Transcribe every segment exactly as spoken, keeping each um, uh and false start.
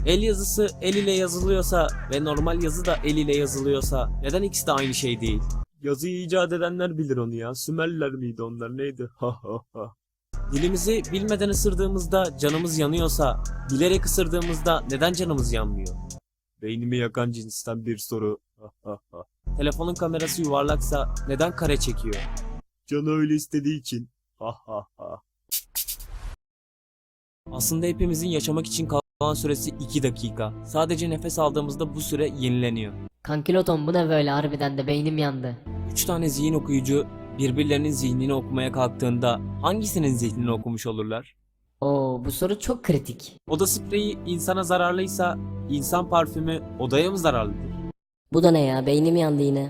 El yazısı el ile yazılıyorsa ve normal yazı da el ile yazılıyorsa neden ikisi de aynı şey değil? Yazıyı icat edenler bilir onu ya. Sümerliler miydi onlar, neydi? Ha ha ha. Dilimizi bilmeden ısırdığımızda canımız yanıyorsa, bilerek ısırdığımızda neden canımız yanmıyor? Beynimi yakan cinsten bir soru. Ha ha ha. Telefonun kamerası yuvarlaksa neden kare çekiyor? Canı öyle istediği için. Ha ha ha. Aslında hepimizin yaşamak için kalan süresi iki dakika. Sadece nefes aldığımızda bu süre yenileniyor. Kankiloton bu ne böyle, harbiden de beynim yandı. Üç tane zihin okuyucu birbirlerinin zihnini okumaya kalktığında hangisinin zihnini okumuş olurlar? Oo, bu soru çok kritik. Oda spreyi insana zararlıysa insan parfümü odaya mı zararlıdır? Bu da ne ya, beynim yandı yine.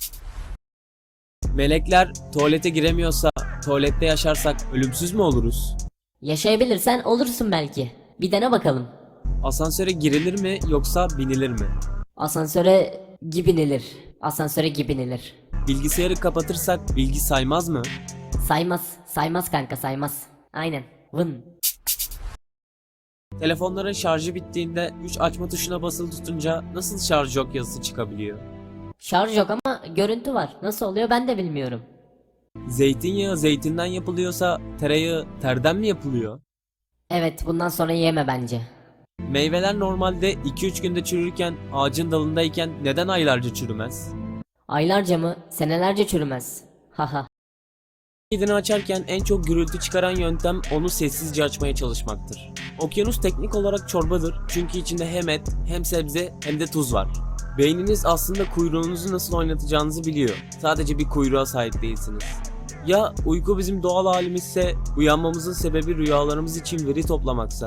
Melekler tuvalete giremiyorsa tuvalette yaşarsak ölümsüz mü oluruz? Yaşayabilirsen olursun belki. Bir dene bakalım. Asansöre girilir mi yoksa binilir mi? Asansöre gibinilir. Asansöre gibinilir. Bilgisayarı kapatırsak bilgi saymaz mı? Saymaz. Saymaz kanka, saymaz. Aynen. Vın. Telefonların şarjı bittiğinde üç açma tuşuna basılı tutunca nasıl şarj yok yazısı çıkabiliyor? Şarj yok ama görüntü var. Nasıl oluyor ben de bilmiyorum. Zeytinyağı zeytinden yapılıyorsa tereyağı terden mi yapılıyor? Evet, bundan sonra yeme bence. Meyveler normalde iki üç günde çürürken ağacın dalındayken neden aylarca çürümez? Aylarca mı? Senelerce çürümez. Haha. Kilidini açarken en çok gürültü çıkaran yöntem onu sessizce açmaya çalışmaktır. Okyanus teknik olarak çorbadır çünkü içinde hem et, hem sebze, hem de tuz var. Beyniniz aslında kuyruğunuzu nasıl oynatacağınızı biliyor. Sadece bir kuyruğa sahip değilsiniz. Ya uyku bizim doğal halimizse, uyanmamızın sebebi rüyalarımız için veri toplamaksa?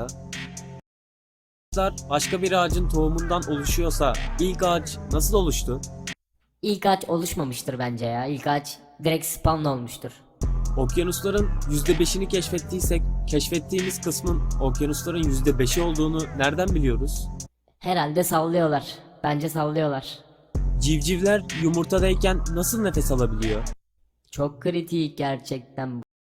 Başka bir ağacın tohumundan oluşuyorsa ilk ağaç nasıl oluştu? İlk ağaç oluşmamıştır bence ya. İlk ağaç direkt spawn olmuştur. Okyanusların yüzde beşini keşfettiysek, keşfettiğimiz kısmın okyanusların yüzde beşi olduğunu nereden biliyoruz? Herhalde sallıyorlar. Bence sallıyorlar. Civcivler yumurtadayken nasıl nefes alabiliyor? Çok kritik gerçekten.